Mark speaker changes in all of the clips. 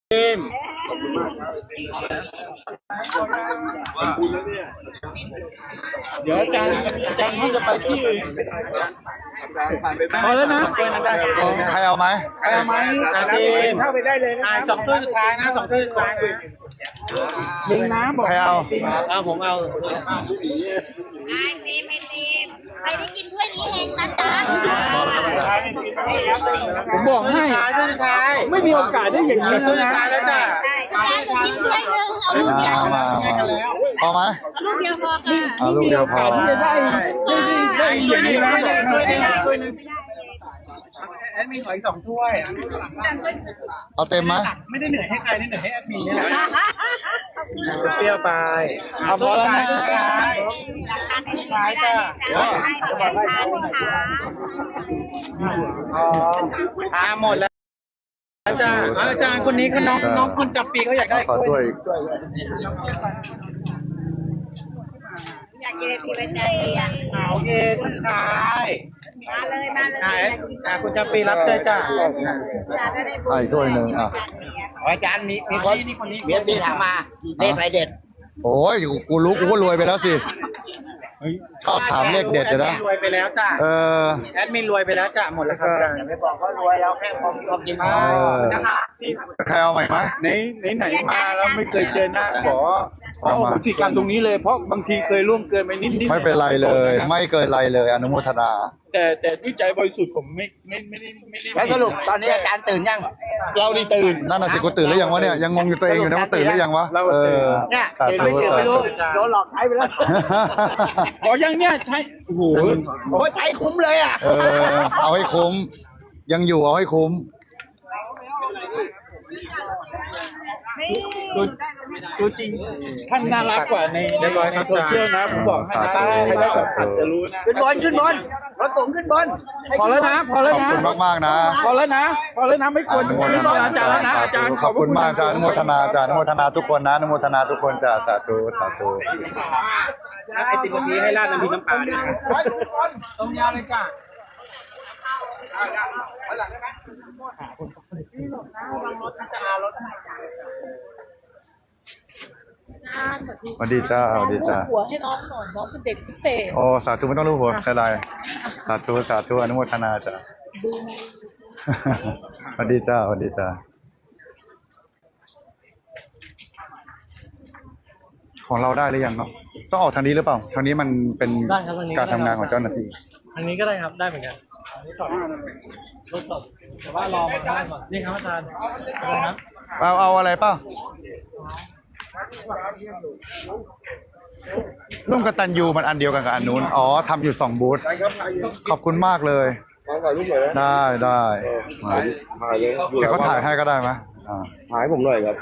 Speaker 1: มเดี๋ยวอาจารย์เขาจะไปที่อื่นพอแล้วนะ
Speaker 2: ใครเอาไหม
Speaker 1: อาจารย์เข้าไปได้เลยนะสองตัวสุดท้ายนะ2 ตัวสุดท้ายยิงน้ำบอก
Speaker 2: ใครเอา
Speaker 1: ผมเอา
Speaker 3: ใครได้กินถ้วยนี้เองนะจ๊ะ
Speaker 1: ผมบอกให้สุดท้ายไม่มีโอกาสได้อย่างนี้แล้วนะ
Speaker 3: แล้วจ้ะจะกินถ้วยนึงเอาลูกเดียว
Speaker 2: พอไหม
Speaker 3: ลูกเดียวพอค่ะ
Speaker 2: เอาลูกเดียวพอ
Speaker 1: ที่จะได้อย่างนี้นะถ้วยนึงแอดมินขออีก2 ถ้วย
Speaker 2: เอาเต็มไหม
Speaker 1: ไม่ได้เหนื่อยให้ใครได้เหนื่อยให้แอดมินนี่แหละเปรี้ยวไปเอาพอแล้วนะ
Speaker 3: ขายจ้ะให้ทาน
Speaker 1: ค่ะหมดแล้วอาจารย์คนนี้ก็น้องคนจับปีเขาอยากได้
Speaker 2: ขอถ้วย
Speaker 3: อยากกินพี่ประจัน
Speaker 1: โอเคท่านชาย
Speaker 3: มาเลย
Speaker 1: คุณจับปีรับเลยจ้า
Speaker 2: ไอ้ถ้วยหนึ่ง
Speaker 1: อาจารย์มีคนนี้เมียตีถามมาเลขอะไรเด็ด
Speaker 2: โอ้ยกูรู้กูก็รวยไปแล้วสิชอบถามเลขเด็ดเลยนะ
Speaker 1: รวยไปแล้วจ้าแอดมินรวยไปแล้วจ้าหมดแล้วครับไม่บอกก็รวยแล้วแค่พอกินนะคะ
Speaker 2: ใครเอาใหม่ไหม
Speaker 4: ไหนมาแล้วไม่เคยเจอหน้าขอพฤติกรรมตรงนี้เลยเพราะบางทีเคยร่วมเกินไปนิด
Speaker 2: ไม่เป็นไรเลยไม่เกินไรเลยอนุโมทนา
Speaker 4: แต่ด้วยใจบริสุทธิ์ผมไม่
Speaker 1: แล้วสรุปตอนนี้อาจารย์ตื่นยัง
Speaker 4: เราดีตื่น
Speaker 2: นั่นน่ะสิกูตื่นหรือยังวะเนี่ยยังงงอยู่ตัวเองอยู่นะว่าตื่นหรือยังวะ
Speaker 1: เนี่ยตื่นไม่รู้โดนหลอกใช้ไปแล้ว
Speaker 4: บอกยังเนี่ยใช่โอ้โห
Speaker 1: ใช้คุ้มเลยอ่ะ
Speaker 2: เอาให้คุ้มยังอยู่เอาให้คุ้ม
Speaker 4: ตัวจริงท่านน่ารักกว่าในโซเชียลนะผมบอกให้นะใครได้สัมผัสจะรู้นะ
Speaker 1: ขึ้นบนรถสูงขึ้นบน
Speaker 4: พอแล้วนะ
Speaker 2: ขอบคุณมากๆนะ
Speaker 4: พอแล้วนะไม่ควรอาจารย์แล้วนะอาจารย์
Speaker 2: ขอบคุณมากอาจารย์อนุโมทนาอาจารย์อนุโมทนาทุกคนนะอนุโมทนาทุกคนจ้าสาธุ
Speaker 1: ไอติมนี้ให้ราดน้ำพริกน้ำปลาด้วยตรงยาวเลยจ้า
Speaker 2: สวัสดีจ้าสวัสดีจ้า
Speaker 3: หัวให้น้องหน่อยน้องเป็นเด็กพิเศษ
Speaker 2: โอ้สาธุไม่ต้องรู้หัวอะไรสาธุอนุโมทนาจ้าสวัสดีจ้าสวัสดีจ้าของเราได้หรือยังเนาะต้องออกทางนี้หรือเปล่าทางนี้มันเป็นการทำงานของเจ้าหน้าที่
Speaker 1: ทางนี้ก็ได้ครับได้เหมือนกันรถสดแต่ว่ารอมาได้ก่อนนี่ครับอาจารย์ครับ
Speaker 2: เอาอะไรเปล่าร่วมกตัญญูมันอันเดียวกันกับอันนู้นอ๋อทำอยู่2 บูธขอบคุณมากเลยได้เดี๋ยวเขาถ่ายให้ก็ได้ไหม
Speaker 5: ถ่ายผมหน่อยครับ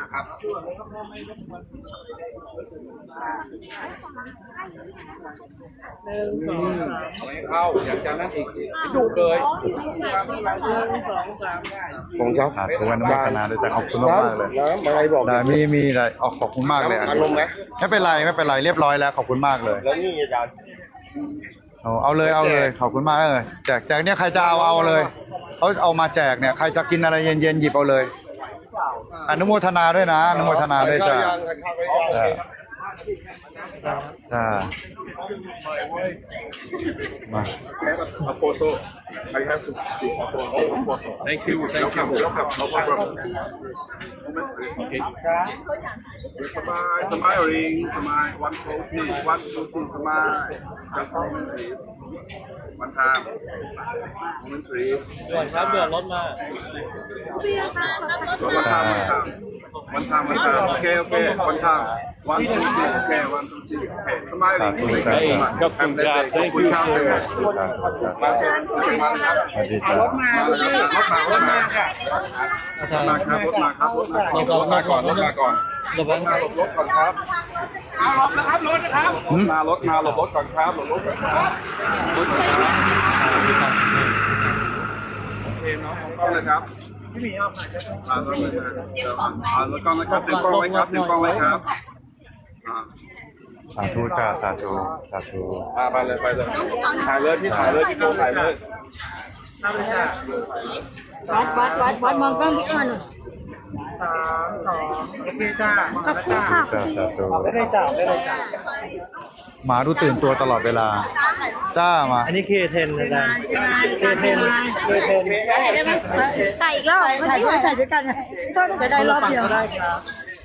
Speaker 4: เข้าอย่างจากนั้นอีกดูเลย
Speaker 5: ผมครับ
Speaker 2: ขอบคุณอนุโมทนาด้วยแต่ขอบคุณมากเลย
Speaker 5: อะไรบอก
Speaker 2: ได้มีอะไรขอบคุณมากเลย
Speaker 5: อารมณ์ไหม
Speaker 2: ไม่เป็นไรเรียบร้อยแล้วขอบคุณมากเลย
Speaker 5: แล้วนี่อาจารย์
Speaker 2: เอาเลยขอบคุณมากเลยแจกเนี่ยใครจะเอาเลยเขาเอามาแจกเนี่ยใครจะกินอะไรเย็นๆหยิบเอาเลยอนุโมทนาด้วยนะอนุโมทนาด้วยจ้ามา
Speaker 4: โฟโต้ I have to take a photo. Thank you. No problem. Okay. Smiling. One, two, three. Smile. Just moment, please. One time. Moment, please.
Speaker 1: ด่วนครับเดือดรถมา
Speaker 4: One time. Okay. One time. 1, 2, 3. Okay. 1, 2, 3. Okay. Smiling.
Speaker 2: Thank you.
Speaker 1: รถมาครับ
Speaker 4: รถมาก่อนหลบรถก่อนครับหลบนะครับรถนะครับมาหลบรถก่อนครับโอเคเนาะกล้องเลยครับ
Speaker 1: พี่หมีเอา
Speaker 4: ผ่านรถเลยรถกล้องนะครับเต็มกล้องไว้ครับ
Speaker 2: สาธุจ้าสาธุ
Speaker 4: ไปเลยถ่ายเลยพี่ถ่ายเลย
Speaker 3: วัดมองกล้องพี่อ้อน
Speaker 1: 3 2โอเคจ้ามาแล้วจ้า
Speaker 2: จ้าสาธุ
Speaker 1: ได้เลยจ้าได้เลยจ้า
Speaker 2: หมาดูตื่นตัวตลอดเวลา จ้ามา
Speaker 1: อันนี้เคเทนอาจารย์เคเทน
Speaker 3: ถ่ายอีกรอบถ่ายด้วยกันจะได้รอบเดียว
Speaker 1: ก็ได้ครับ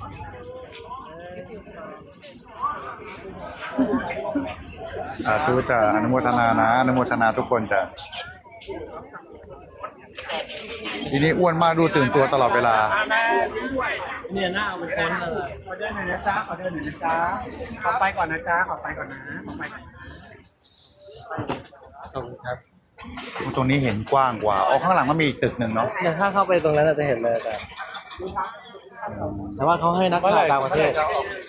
Speaker 2: สาธุจ้าอนุโมทนานะอนุโมทนาทุกคนจ้ะทีนี้อ้วนมากดูตื่นตัวตลอดเวลา
Speaker 1: เนี่ยหน้าเอาไปค้นเลยขอเดินหน่อยนะจ๊ะขอเดินหน่อยนะจ๊ะขอไปก่อนนะจ๊ะขอไปก่อนนะขอไปก่อนขอบคุณครับ
Speaker 2: ตรงนี้เห็นกว้างกว่าอ๋อข้างหลังมันมีอีกตึกหนึ่งเนาะ
Speaker 1: อย่างถ้าเข้าไปตรงนั้นจะเห็นเลยแต่ว่าเขาให้นักข่าวต่างประเทศ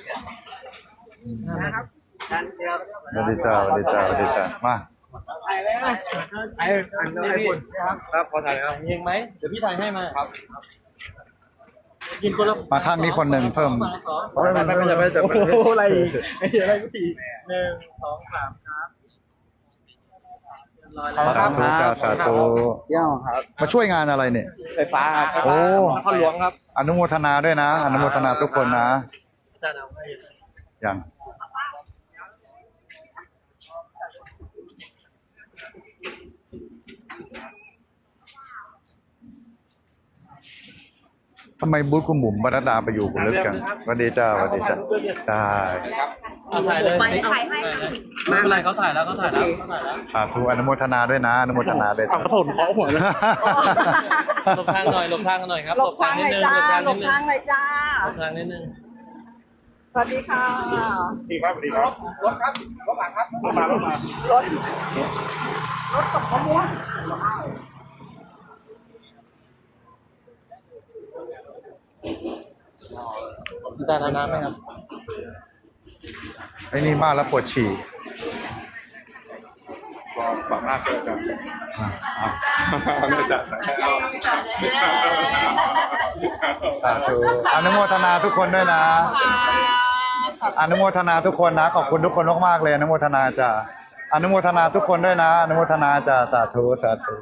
Speaker 2: สวัสดีจ้าสวัสดีจ้าสวัสดีจ้ามา
Speaker 1: ไอ้คุณครับขอถ่ายครับยิงไหมเดี๋ยวพี่ถ่ายให้มาครับกินคนละ
Speaker 2: มาข้างนี้คนหนึ่งเพิ่ม
Speaker 1: ไม่โอ้โหอะไรอะไรก็ตี1 2 3ครับ
Speaker 2: สาธุจ้าสาธุ
Speaker 1: เยี่ยมครับ
Speaker 2: มาช่วยงานอะไรเนี่ย
Speaker 1: ไฟฟ้าครับ
Speaker 2: โอ้
Speaker 1: ข้าหลวงครับ
Speaker 2: อนุโมทนาด้วยนะ อนุโมทนาทุกคนนะ
Speaker 1: อาจารย์เอาให้
Speaker 2: อย่างทำไมบูธคุณบุ๋มบรรดาไปอยู่คุณลึกกันสวัสดีจ้าสวัสดีจ้าได้
Speaker 1: เอาถ่ายเลยไม่เป็นไรเขาถ่ายแล้วเขาถ่ายแล้ว
Speaker 2: สาธุอนุโมทนาด้วยนะอนุโมทนาด้วย
Speaker 1: ขอโทษขอหัวเลยหลบทางหน่อยหลบทางหน่อยครับ
Speaker 3: หลบทางหน่อยจ้าหลบทางหน่อยจ้า
Speaker 1: หลบทางนิดนึง
Speaker 3: สวัสดีค่ะ
Speaker 1: ดีครับดีครับรถครับรถหลังครับรถมารถตกขบวนอาจารย์เอาน้ำไหมครับ
Speaker 2: ไอ้นี่มากแล้วปวดฉี่
Speaker 4: ปากหน้าเกินกัน
Speaker 2: อ่ะ
Speaker 4: ไม่จัด
Speaker 2: สาธุอนุโมทนาทุกคนด้วยนะ อนุโมทนาทุกคนนะ ขอบคุณทุกคนมากๆเลยอนุโมทนาจ้ะอนุโมทนาทุกคนด้วยนะ อนุโมทนาจ้ะสาธุสาธุ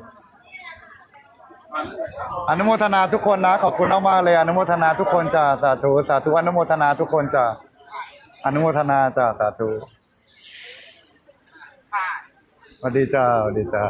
Speaker 2: อนุโมทนาทุกคนนะ ขอบคุณมากๆเลยอนุโมทนาทุกคนจ้ะสาธุสาธุอนุโมทนาทุกคนจ้ะอนุโมทนาจ้ะสาธุสวัสดีจ้าสวัสดีจ้า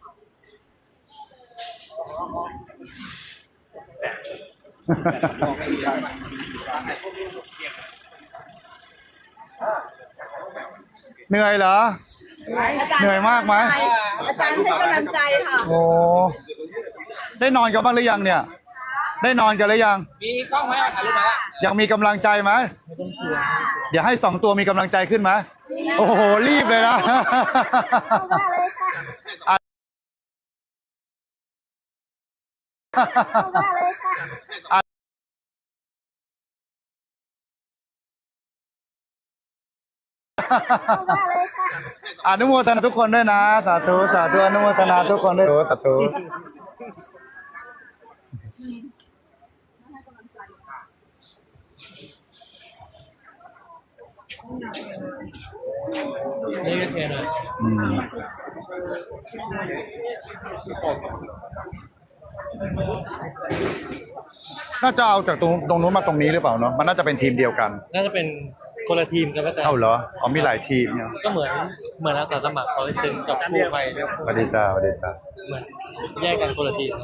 Speaker 2: เหนื่อยเหรอ เหนื่อยมากไหม
Speaker 3: อาจารย์ให้กำลังใจค่ะ
Speaker 2: โอ้ได้นอนกันบ้างหรือยังเนี่ย ได้นอนกันหรือยัง
Speaker 6: มีกล้องไหมถ่ายรูปไหม
Speaker 2: ยังมีกำลังใจไหมเดี๋ยวให้2 ตัวมีกำลังใจขึ้นไหมโอ้โหรีบเลยนะอนุโมทนาทุกคนด้วยนะสาธุสาธุอนุโมทนาทุกคนด้วยสาธุ
Speaker 1: นี่ก็เทนะ
Speaker 2: อืมน่าจะเอาจากตรงนู้นมาตรงนี้หรือเปล่าเนาะมันน่าจะเป็นทีมเดียวกัน
Speaker 1: น่าจะเป็นคนละทีมกันก็แต่
Speaker 2: เอ้าเหรออ๋อมีหลายทีมเนี่ย
Speaker 1: ก็เหมือนอาสาสมัครเขาเลยตึงกับกู้ภัยเนี่ย
Speaker 2: สวัสดีจ้าสวัสดีจ้า
Speaker 1: เหมือนแยกกันคนละทีม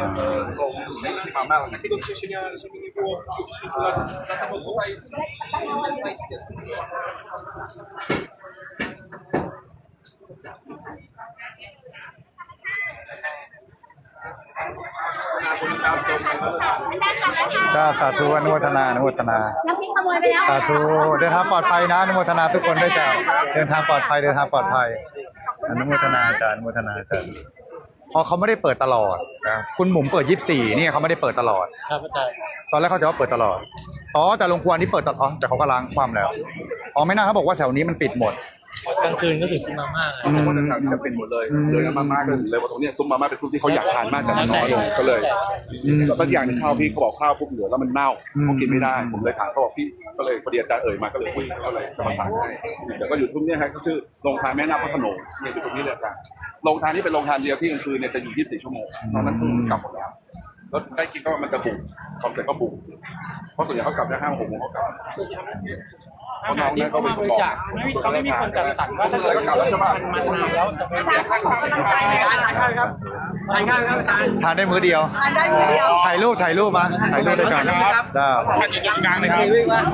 Speaker 2: จ้าสาธุอนุโมทนาอนุโมทนา
Speaker 3: น้ำพริกขโมยไปแล้ว
Speaker 2: สาธุเดินทางปลอดภัยนะอนุโมทนาทุกคนด้วยจ้าเดินทางปลอดภัยเดินทางปลอดภัยอนุโมทนาจ้าอนุโมทนาจ้าเพราะเขาไม่ได้เปิดตลอดนะคุณหมุมเปิด24เนี่ยเขาไม่ได้เปิดตลอด
Speaker 1: ครับอาจารย์
Speaker 2: ตอนแรกเขาจะว่าเปิดตลอดอ๋อแต่โรงครัวนี้เปิดตลอดอ๋อแต่เขาก็ล้างความแล้วอ๋อไม่น่าเขาบอกว่าแถวนี้มันปิดหมด
Speaker 1: กลางคืนก็ถึงกินมาม่าไง
Speaker 4: เพราะว่าทางจะเป็นหมดเลยเลยมาม่าก็เลยว่าตรงเนี้ยซุปมาม่าเป็นซุปที่เขาอยากทานมากแต่มันน้อยลงก็เลยแล้วก็อย่างหนึงข้าวพี่เขาบอกข้าวปุ๊บเหลือแล้วมันเน่าเขากินไม่ได้ผมเลยถามเขาบอกพี่ก็เลยพอดีอาจารย์เอ่ยมาก็เลยคุยก็เลยจะมาสั่งให้เดี๋ยวก็อยู่ทุ่มเนี่ยครับก็ชื่อโรงทานแม่นาคพระโขนงเนี่ยอยู่ตรงนี้เลยอาจารย์โรงทานนี้เป็นโรงทานเดียวที่กลางคืนเนี่ยจะอยู่24 ชั่วโมงตอนนั้นกลับหมดแล้วแล้วใกล้กินก็มันจะบุกพอเสร็จก็บุกเพราะส่วนใหญ่เขากลับได้5-6 โมงเขากลับ
Speaker 1: อาหารที่เขามาบริจาคเขาไม่มีคนจัดสรรว่าถ้าเกิดมันนานแล้วจะเป็น
Speaker 3: อาจารย์ขอกำลังใจหน่อยค่ะ
Speaker 1: ใช่ครับใช่ครับอาจารย์
Speaker 2: ทานได้มื้อเดียว
Speaker 3: ทานได้มื้อเดียว
Speaker 2: ถ่ายรูปมาถ่ายรูปด้วยกันจ้า
Speaker 4: ท่านอยู่ตรงกลางเลยครับ
Speaker 1: วิ่งมา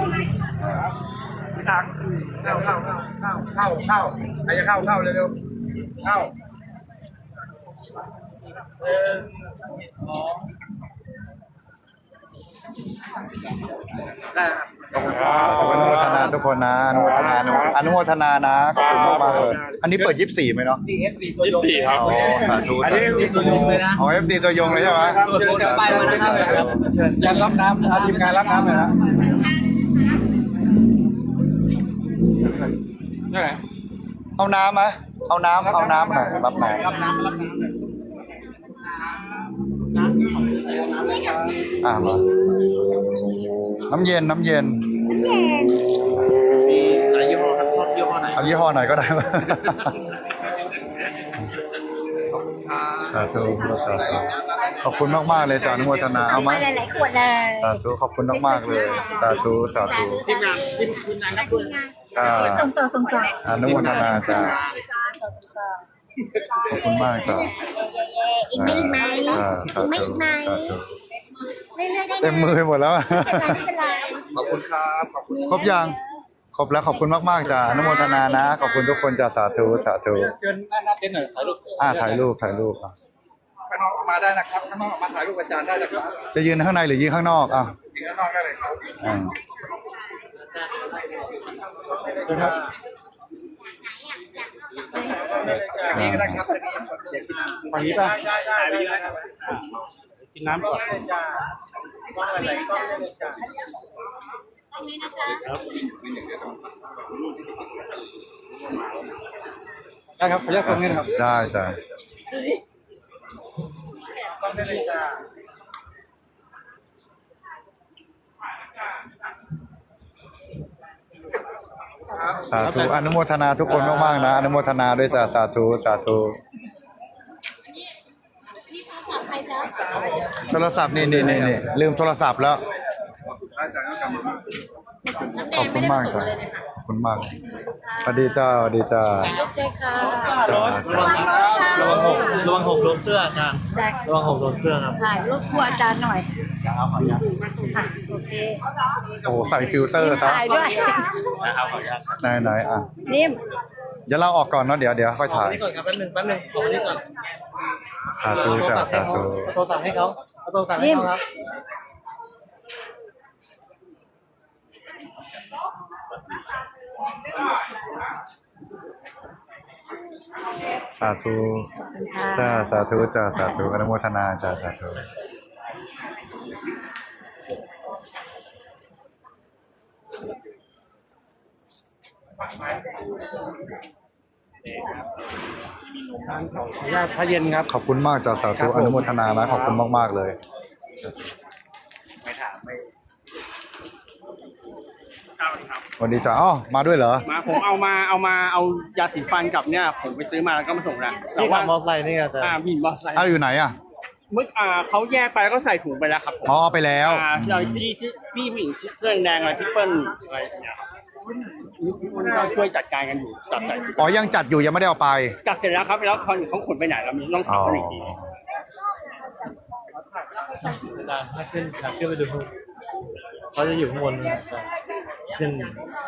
Speaker 1: เข้าใครจะเข้าเร็วๆเข้าได้
Speaker 2: ขอบคุณอนุโมทนาทุกคนนะอนุโมทนาอนุโมทนานะขอบคุณมากๆเลยอันนี้เปิด24ไหมเนาะ
Speaker 4: 24ครับ
Speaker 2: อ๋อสาธุ
Speaker 1: อันนี้มีตัวยงเลยนะ
Speaker 2: อ๋อ FC ตัวยงเลยใช่ไหม
Speaker 1: เดี๋ยวไปมานะครับเชิญยันรับน้ำทีมงานรับน้ำเลยนะนี่ไง
Speaker 2: เอาน้ำไหมเอาน้ำหน่อยรับหน่อย
Speaker 1: รับน้ำ
Speaker 2: มาน้ำเย็น
Speaker 3: เย็น
Speaker 1: มีหลายยี่ห้อครับชอบยี่ห้อไหน
Speaker 2: เอายี่ห้อหน่อยก็ได้ไหมสาธุสาธุขอบคุณมากๆเลยจ้าอนุโมทนาเอาไหม
Speaker 3: หลายๆขวดเลย
Speaker 2: สาธุขอบคุณมากๆเลยสาธุทีมงานครับ
Speaker 3: ส่งต่อ
Speaker 2: อนุโมทนาจ้าขอบคุณมากจ้า
Speaker 3: อีกไหมสาธุเรื่อยๆได้
Speaker 2: เต็มมือไปหมดแล้ว
Speaker 3: ไม่เป็นไร
Speaker 1: ขอบคุณครับขอบคุณ
Speaker 2: ครบยังครบแล้วขอบคุณมากๆจ้าอนุโมทนานะขอบคุณทุกคนจ้าสาธุ
Speaker 1: เชิญหน้าเต็นท์หน่อยถ่ายรูป
Speaker 2: ถ่ายรูป
Speaker 1: ข้างนอกออกมาได้นะครับข้างนอกออกมาถ่ายรูปอาจารย์ได้นะครับ
Speaker 2: จะยืนข้างในหรือยืนข้างนอกอ่ะ
Speaker 1: ยืนข้างนอกได้เลยครับ
Speaker 2: อ่า
Speaker 1: ครับอันนี้ก็ได้ครับอันนี้ฝั่งนี้ป่ะกินน้ำก่อน ได้ครับขออนุญาตคนนี้นะครับ
Speaker 2: ได้จ้าสาธุอนุโมทนาทุกคนมากๆนะอนุโมทนาด้วยจ้าสาธุโทรศัพท์นี่ลืมโทรศัพท์แล้วขอบคุณมากจ้าขอบคุณมากสวัสดีจ้าจ้า
Speaker 1: ระวังหกโดนเสื้ออาจารย์ระวังหกโดนเสื้อครับ
Speaker 3: ถ่ายรูปครัวอาจารย์หน่อยค่ะโอเค
Speaker 2: โอ้โหใส่ฟิลเตอร์ซะ
Speaker 3: ถ่ายด้วย
Speaker 1: นะครับขออนุญาต
Speaker 2: ไหนอ่ะ
Speaker 3: นิ่ม
Speaker 2: เดี๋ยวเราออกก่อนเนาะเดี๋ยวค่อยถ่าย
Speaker 1: นี่ก่อนครับแป๊บนึงขอนี้ก่อน
Speaker 2: สาธุจ้าสาธุ
Speaker 1: โทรศัพท์ให้เขาโทรศัพท์ให้เขาครับ
Speaker 2: สาธุจ้าสาธุจ้าสาธุอนุโมทนาจ้าสาธุ
Speaker 1: ขออนุญาตพระเย็นครับ
Speaker 2: ขอบคุณมากจ้าสาธุอนุโมทนานะขอบคุณมากๆเลยสวัสดีจ้าอ๋อมาด้วยเหรอ
Speaker 6: มาผมเอายาสีฟันกับเนี่ยผมไปซื้อมาแล้วก็มาส่งนะแต่
Speaker 1: ที่
Speaker 6: ว่า
Speaker 1: ขับมอเตอร์ไซค์นี่อาจารย์
Speaker 6: บินมอเตอร์ไซค์
Speaker 2: เอาอยู่ไหไหนอ่ะ
Speaker 6: เมื่อเขาแยกไปแล้วก็ใส่ถุงไปแล้วครับผม
Speaker 2: อ๋อไปแล้ว
Speaker 6: เราพี่ผู้หญิงเสื้อแดงอะไรพี่เปิ้ลอะไรเนี่ยครับมันก็ช่วยจัดการกันอยู่จัดใส่ถุง
Speaker 2: อ๋อยังจัดอยู่ยังไม่ได้เอาไป
Speaker 6: จัดเสร็จแล้วครับแล้วเขาขนไปไหนแล้วมีต้อง
Speaker 2: อ๋
Speaker 6: ถาม
Speaker 2: อ
Speaker 6: เขาอีกที
Speaker 1: อาจารย์ถ้าขึ้นไปดูเขาจะอยู่ข้างบนขึ้น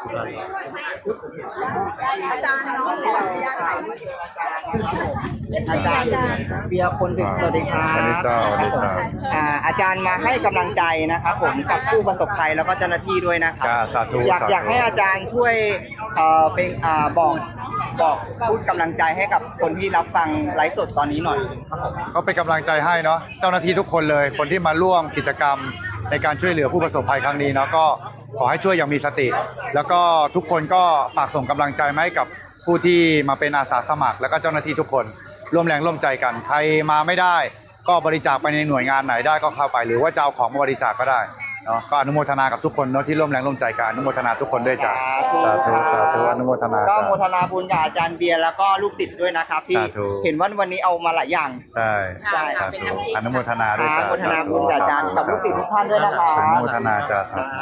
Speaker 3: อาจารย์น้องขออนุญาตถ่ายรูปอาจารย์
Speaker 7: เบียร์คนดึกสวัสดีครับ
Speaker 2: สวัสดีเจ้าสวัสดีครับ
Speaker 7: อาจารย์มาให้กำลังใจนะครับผมกับผู้ประสบภัยแล้วก็เจ้าหน้าที่ด้วยนะครับ
Speaker 2: จ้าสาธุ
Speaker 7: อยากให้อาจารย์ช่วยเป็นบอกพูดกำลังใจให้กับคนที่รับฟังไลฟ์สดตอนนี้หน่อยครับผม
Speaker 2: ก็เป็นกำลังใจให้เนาะเจ้าหน้าที่ทุกคนเลย คนที่มาร่วมกิจกรรมในการช่วยเหลือผู้ประสบภัยครั้งนี้เนาะก็ขอให้ช่วยอย่างมีสติ แล้วก็ทุกคนก็ฝากส่งกำลังใจมาให้กับผู้ที่มาเป็นอาสาสมัคร แล้วก็เจ้าหน้าที่ทุกคนร่วมแรงร่วมใจกัน ใครมาไม่ได้ ก็บริจาคไปในหน่วยงานไหนได้ก็เข้าไป หรือว่าจะเอาของมาบริจาคก็ได้เนาะก็อนุโมทนากับทุกคนเนาะที่ร่วมแรงร่วมใจกันอนุโมทนาทุกคนด้วยจ้ะสาธุสาธุอนุโมทนา
Speaker 7: ก็
Speaker 2: จ้ะ
Speaker 7: โมทนาบุญกับอาจารย์เบียร์แล้วก็ลูกศิษย์ด้วยนะครับที่
Speaker 2: สาธุ
Speaker 7: เห็นว่าวันนี้เอามาหลายอย่าง
Speaker 2: ใช่
Speaker 7: ใช่
Speaker 2: สาธุอนุโมทนาด้วยจ้ะ
Speaker 7: โมทนาบุญกับอาจารย์กับลูกศิษย์ทุกท่านด้วยนะครับ
Speaker 2: อนุโมทนาจ้ะสาธุ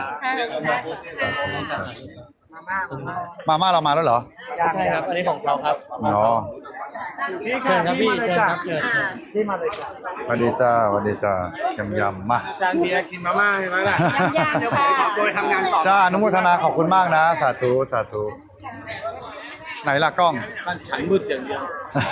Speaker 2: มาม่าเรามาแล้วเหรอ
Speaker 1: ใช่ครับ อันนี้ของเขาครับ
Speaker 2: อ๋อ
Speaker 1: เชิญครับพี่เชิญครับเชิญ
Speaker 2: สวัสดีจ้าสวัสดีจ้ายำมา
Speaker 6: อาจารย์เบียร์กินมาม่าใช่ไหมล่ะเดี๋ยวผมขอตัวไปทำงานต่อ
Speaker 2: จ้าอนุโมทนาขอบคุณมากนะสาธุสาธุไหนล่ะกล้อง
Speaker 6: มันฉันมืดอย่างเดียว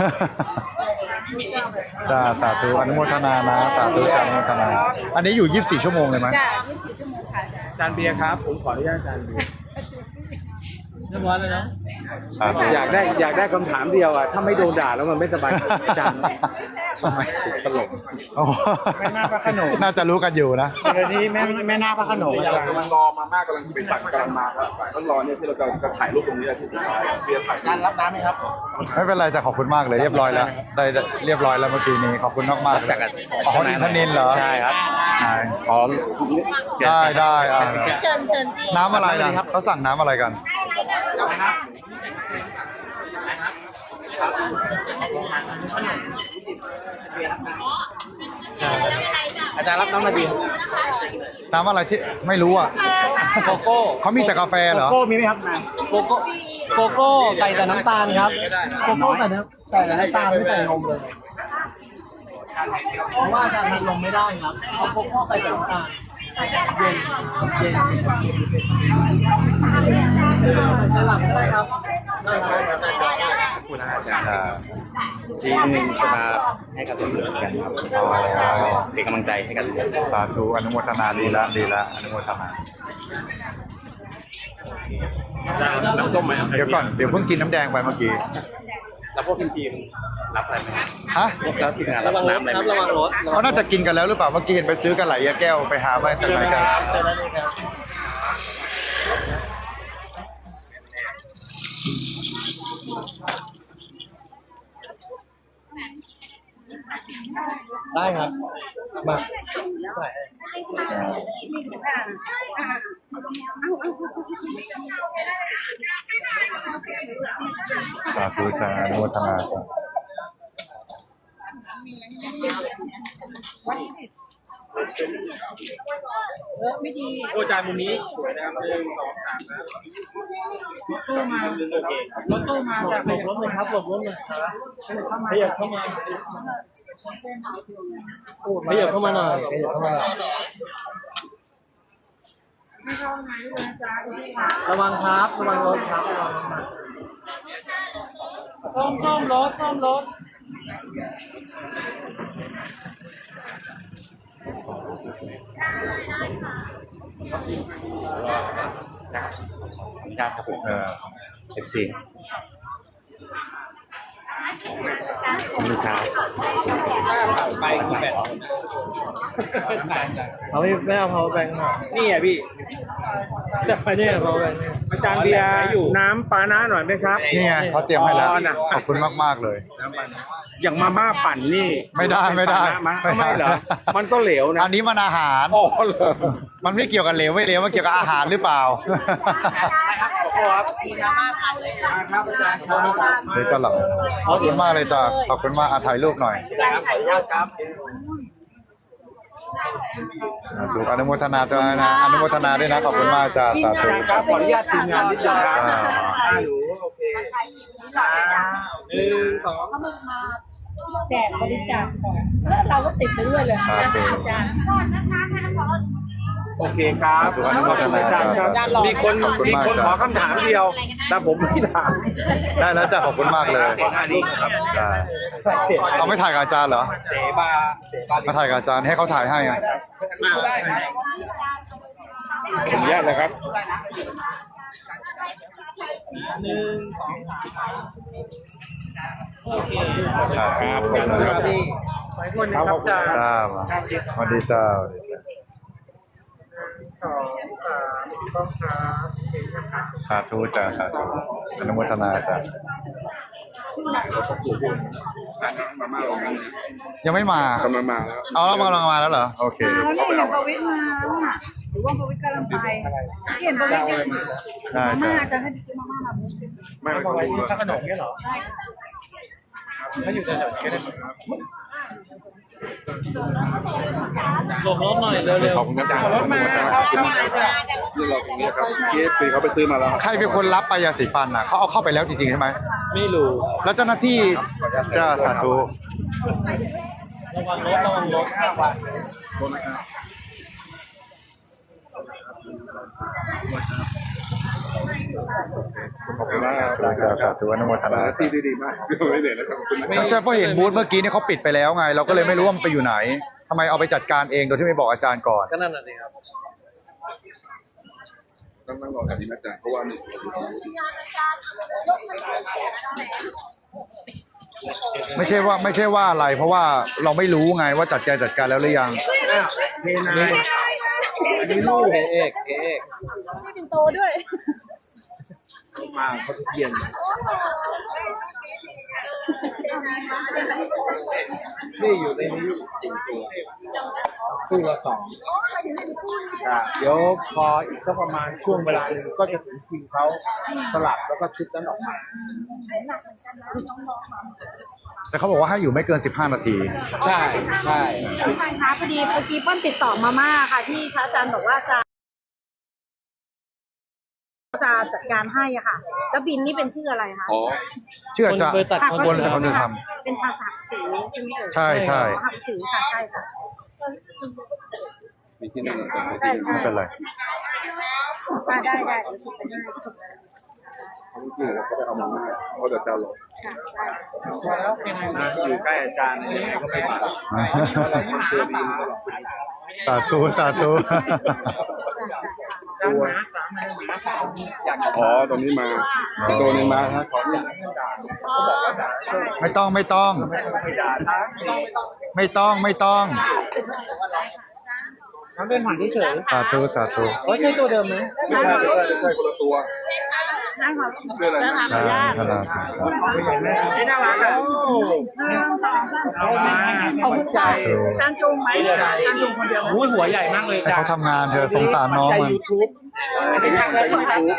Speaker 2: จ้าสาธุอนุโมทนานะสาธุจ้าอนุโมทนา อันนี้อยู่24ชั่วโมงเลยไหม
Speaker 6: อาจารย์เบียร์ครับผมขออนุญาตอาจารย์เบียร์
Speaker 1: เรียบร้อยแล้วนะ
Speaker 2: สาธุ
Speaker 6: อยากได้คำถามเดียวอ่ะถ้าไม่โดนด่าแล้วมันไม่สบายใจอาจารย์ทำไมสุดตลก
Speaker 2: โอ้
Speaker 6: แม่นาคพระโขนง
Speaker 2: น่าจะรู้กันอยู่นะ
Speaker 6: เดี๋ยวนี้แม่นาคพระโขนงอาจารย์
Speaker 4: กำลังรอมาม่ากำลังไปสั่งกำลังมาครับต้องรอเนี่ยที่เราจะถ่ายรูปตรงนี้ที่สุดท้ายเบียร์ถ่าย
Speaker 6: อาจารย์รับน้ำไหมครับ
Speaker 2: ไม่เป็นไรจะขอบคุณมากเลยเรียบร้อยแล้วได้เรียบร้อยแล้วเมื่อกี้นี้ขอบคุณมากมากๆเลยอ๋ออินทนินเหรอ
Speaker 6: ใช่ครับ
Speaker 2: อ๋อได้อ่ะ
Speaker 3: เชิญพี่
Speaker 2: น้ำอะไรนะเขาสั่งน้ำอะไรกัน
Speaker 6: อาจารย์รับน้ำมาดี
Speaker 2: น้ำอะไรที่ไม่รู้อ่ะ
Speaker 1: โกโก้
Speaker 2: เขามีแต่กาแฟเหรอ
Speaker 6: โก้มีไหมครับ
Speaker 1: โกโก้โกโก้ใส่แต่น้ำตาลครับโกโก้ใส่แต่น้ำตาลไม่ใส่นมเลยเพราะว่าอาจารย์ทานนมไม่ได้ครับเอาโกโก้ใส่แต่น้ำตาลเย็นจะหลับได้ครับได้ครับ
Speaker 6: ขอบคุณนะอาจารย์ที่หนึ่งจะมาให้กับทุกคนกันครับเป็นกำลังใจให้กัน
Speaker 2: สาธุอนุโมทนาดีละอนุโมทนา
Speaker 6: น้ำส้มไหม
Speaker 2: เดี๋ยวก่อนเดี๋ยวเพิ่งกินน้ำแดงไปเมื่อกี้
Speaker 6: แล้วพวกทีมรับอะไรไหม
Speaker 2: ฮะ
Speaker 6: แล้วทีมงาน
Speaker 1: ระ
Speaker 6: รับ
Speaker 1: วังรถ
Speaker 6: น้ำอะไร
Speaker 1: ครับ
Speaker 6: ไหม
Speaker 1: ระวังรถ
Speaker 2: เขาน่าจะกินกันแล้วหรือเปล่าเมื่อกี้เห็นไปซื้อกันหลายแก้วไปหาไปจากไหนกัน
Speaker 1: เจอแล้วนี่ครับได้ครับมา
Speaker 2: สาธุจ้าอนุโมทนาจ้า
Speaker 6: โอ้อาจารย์มุมนี้สวยนะครับ1 2 3นะรถตู้มาจากไหน
Speaker 1: รถเลยครับรถเลยขยับเข้ามาขยับเข้ามาหน่อยขยับเข้ามาระวังครับระวังรถครับส้มรถ
Speaker 6: ครับผม FC ลูกค้าไปกี่แบบ
Speaker 1: เขาไม่เอา power bank มา
Speaker 6: นี่อ่ะพี่
Speaker 1: จะไปเนี่ย power bank
Speaker 6: อาจารย์เบียร์น้ำปานะหน่อยไหมครับ
Speaker 2: นี่ไงเขาเตรียมให้แล้ว
Speaker 6: อ๋อน่ะ
Speaker 2: ขอบคุณมากๆเลย
Speaker 6: อย่างมาม่าปั่นนี่
Speaker 2: ไม่ได้
Speaker 6: ไม่เหรอมันก็เหลวนะ
Speaker 2: อันนี้มันอาหาร
Speaker 6: อ๋อเหรอ
Speaker 2: มันไม่เกี่ยวกับเหลวไม่เหลวมันเกี่ยวกับอาหารหรือเปล่า
Speaker 6: ครับอาจารย์ครับ
Speaker 2: เดี๋ยวจะหลับขอบคุณมากเลยจ้าขอบคุณมากถ่ายรูปหน่อย
Speaker 6: ครับ
Speaker 2: ดูอนุโมทนาจ้านะอนุโมทนาด้วยนะขอบคุณมากจ้าสาธุ
Speaker 6: ครับขออนุญาตทีมงานนิดนึงครับ
Speaker 2: อ่า
Speaker 6: หนูโอเค1 2
Speaker 8: แจกบริจาคของแล้วเราก็ติดไปด้วยเลย
Speaker 2: สาธุ
Speaker 8: อาจารย์
Speaker 6: โอเคครับ
Speaker 2: อนุโมทนาจ้าสาธุ
Speaker 6: มีคน
Speaker 2: ขอบคุณมาก
Speaker 6: ขอ
Speaker 2: จ้า
Speaker 6: คำถามเดียว แต่ผมไม่ถาม
Speaker 2: ได้แล้วจ้าขอบคุณมากเลย
Speaker 6: อันนี้ครับ
Speaker 2: ได้เอาไม่ถ่ายกับอาจารย์เหรอ
Speaker 6: เสบา
Speaker 2: มาถ่ายกับอาจารย์ให้เขาถ่ายให้ไง
Speaker 6: ผมแยกเลยครับ
Speaker 2: ครับขอบคุณครับ
Speaker 6: ครับ
Speaker 2: จ้ามาสวัสดีจ้าสวัสดีจ้าสาธุจ้าสาธุอนุโมทนาจ้ายังไม่มาก
Speaker 4: ำลังมาแล้ว
Speaker 2: เอาแล้วกำลังมาแล้วเหรอโอเค
Speaker 8: แล้วนี่ประวิตรมาว่าประวิตรกำลังไปเห็นประวิตรเนี่ย
Speaker 2: ได้
Speaker 8: มาม่า
Speaker 2: จ้ะ
Speaker 8: จะให้ไปซื้อมาม่าแบบนี้
Speaker 4: ไม่ไม่
Speaker 6: อะไร
Speaker 4: ไม่
Speaker 6: ข้าวขนมเนี่ยเหรอถ้าอยู่แถวๆนี้ก็ได้หลบรถหน่อยเร็ว
Speaker 4: ขอบคุณครับอาจารย์
Speaker 6: ๆรถมาเข้ามาจ้ะ
Speaker 4: นี่เราตรงนี้ครับเคสปีเขาไปซื้อมาแล้ว
Speaker 2: ใครเป็นคนรับไปยาสีฟันอ่ะเขาเอาเข้าไปแล้วจริงๆใช่ไหม
Speaker 6: ไม่รู้
Speaker 2: แล้วเจ้าหน้าที่จะสาธุ
Speaker 6: ระวังรถระวังรถ
Speaker 4: ขอบคุณมากครับ
Speaker 2: สาธุอนุโมทนา
Speaker 4: ที่ดีมากไม่เหนื่อยนะครับขอบคุณนะ
Speaker 2: ไม่ใช่เพราะเห็นบูธเมื่อกี้นี่เขาปิดไปแล้วไง เราก็เลยไม่รู้ว่ามันไปอยู่ไหนทำไมเอาไปจัดการเองโดยที่ไม่บอกอาจารย์ก่อน
Speaker 6: ก็นั่นน่ะสิครับ
Speaker 4: ต้องนั่งรอกันดีนะอาจารย์เพราะว่านี่
Speaker 2: ไม่ใช่ว่าอะไร เพราะว่าเราไม่รู้ไงว่าจัดการแล้วหรือยัง
Speaker 6: เทนายอันนี้ลูกเอก
Speaker 8: ไม่เป็นโตด้วย
Speaker 6: มาเขาทุกเย็นนี่อยู่ในนี้คู่ละ2เดี๋ยวพออีกสักประมาณช่วงเวลาหนึ่งก็จะถึงคิวเขาสลับแล้วก็ชุดนั้นออกมา
Speaker 2: แต่เขาบอกว่าให้อยู่ไม่เกิน15 นาที
Speaker 6: ใช่ใช่
Speaker 8: ใช่คะพอดีเมื่อกี้ป้อนติดต่อมาม่าค่ะที่พระอาจารย์บอกว่าจะจัดการให้อ่ะค่ะ แล้วบินนี่เป็นชื่ออะไรคะ
Speaker 4: อ๋อ
Speaker 2: เชื่อจะ
Speaker 6: บริษัท
Speaker 2: บนเขาจะท
Speaker 8: เป็นภาษาสีใช่ไหมเอ่ย
Speaker 2: ใช่ใช่
Speaker 8: ภาษาสีค่ะใช่ค่ะ
Speaker 4: มีที่นั่น
Speaker 8: ได้
Speaker 2: ำไม่เป็นไร
Speaker 8: ได้เดี๋ยวสุดไปได้สุด
Speaker 4: ที่เราก็ไปเอามาเขาจะเจ้าหลง
Speaker 8: ค่ะ
Speaker 6: พอแล้วเป็นไงนะอยู่ใกล้อาจารย์ยังไงก็ไม่มา
Speaker 2: สาธุ
Speaker 6: อาจารย์หมาสามอยากจะ
Speaker 4: อ๋อตรงนี้มาตัวนี้มาฮะขอเนี่ย
Speaker 2: ไม่ต้อง
Speaker 6: ไม่ด่านะ
Speaker 2: ไม่ต้อง
Speaker 6: ทำเป็นหมันเฉย
Speaker 2: สาธุ
Speaker 6: ๆใช่ตัวเดิมไหม
Speaker 4: ไม่ใช่คนละตัว
Speaker 8: ได้ค่ะ
Speaker 4: ชื่ออะไรนะ
Speaker 8: ขออนุญาต
Speaker 6: ไม่น่ารักอ่ะเอามาขอบใจ
Speaker 8: จานจุงไหมจานจุงคนเดียว
Speaker 6: หัวใหญ่มากเลย
Speaker 2: ให้
Speaker 6: จ้ะ
Speaker 2: เขาทำงานเธอสงสารน้องมัน
Speaker 6: YouTube